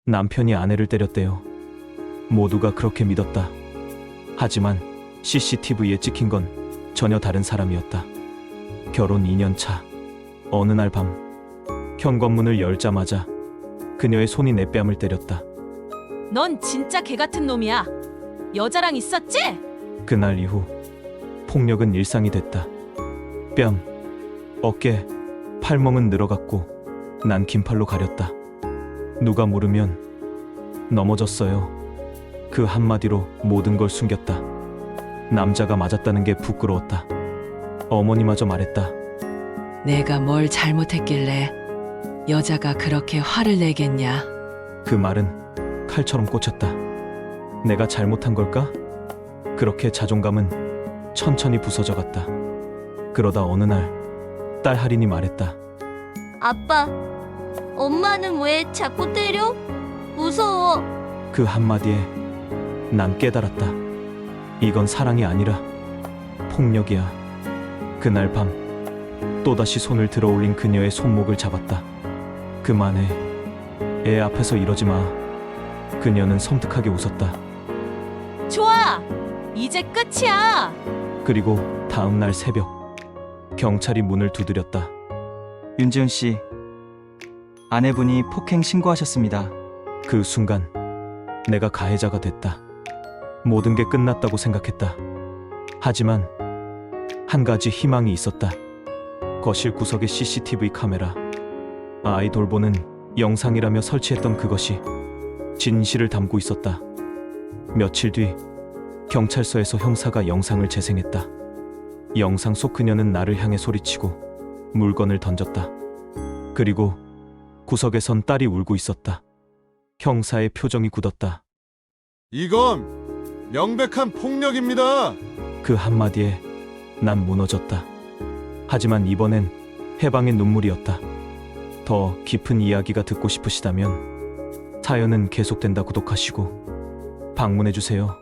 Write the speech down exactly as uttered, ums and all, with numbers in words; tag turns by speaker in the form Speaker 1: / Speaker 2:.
Speaker 1: 남편이 아내를 때렸대요. 모두가 그렇게 믿었다. 하지만 씨씨티비에 찍힌 건 전혀 다른 사람이었다. 결혼 이 년 차 어느 날 밤 현관문을 열자마자 그녀의 손이 내 뺨을 때렸다.
Speaker 2: 넌 진짜 개 같은 놈이야. 여자랑 있었지?
Speaker 1: 그날 이후 폭력은 일상이 됐다. 뺨, 어깨, 팔멍은 늘어갔고 난 긴팔로 가렸다. 누가 물으면 넘어졌어요. 그 한마디로 모든 걸 숨겼다. 남자가 맞았다는 게 부끄러웠다. 어머니마저 말했다.
Speaker 3: 내가 뭘 잘못했길래 여자가 그렇게 화를 내겠냐?
Speaker 1: 그 말은 칼처럼 꽂혔다. 내가 잘못한 걸까? 그렇게 자존감은 천천히 부서져 갔다. 그러다 어느 날 딸 할인이 말했다.
Speaker 4: 아빠, 엄마는 왜 자꾸 때려? 무서워.
Speaker 1: 그 한마디에 난 깨달았다. 이건 사랑이 아니라 폭력이야. 그날 밤 또다시 손을 들어 올린 그녀의 손목을 잡았다. 그만해. 애 앞에서 이러지 마. 그녀는 섬뜩하게 웃었다.
Speaker 2: 좋아. 이제 끝이야.
Speaker 1: 그리고 다음 날 새벽 경찰이 문을 두드렸다.
Speaker 5: 윤지훈 씨, 아내분이 폭행 신고하셨습니다.
Speaker 1: 그 순간 내가 가해자가 됐다. 모든 게 끝났다고 생각했다. 하지만 한 가지 희망이 있었다. 거실 구석의 씨씨티비 카메라. 아이 돌보는 영상이라며 설치했던 그것이 진실을 담고 있었다. 며칠 뒤 경찰서에서 형사가 영상을 재생했다. 영상 속 그녀는 나를 향해 소리치고 물건을 던졌다. 그리고 구석에선 딸이 울고 있었다. 형사의 표정이 굳었다.
Speaker 6: 이건 명백한 폭력입니다.
Speaker 1: 그 한마디에 난 무너졌다. 하지만 이번엔 해방의 눈물이었다. 더 깊은 이야기가 듣고 싶으시다면 사연은 계속된다 구독하시고 방문해주세요.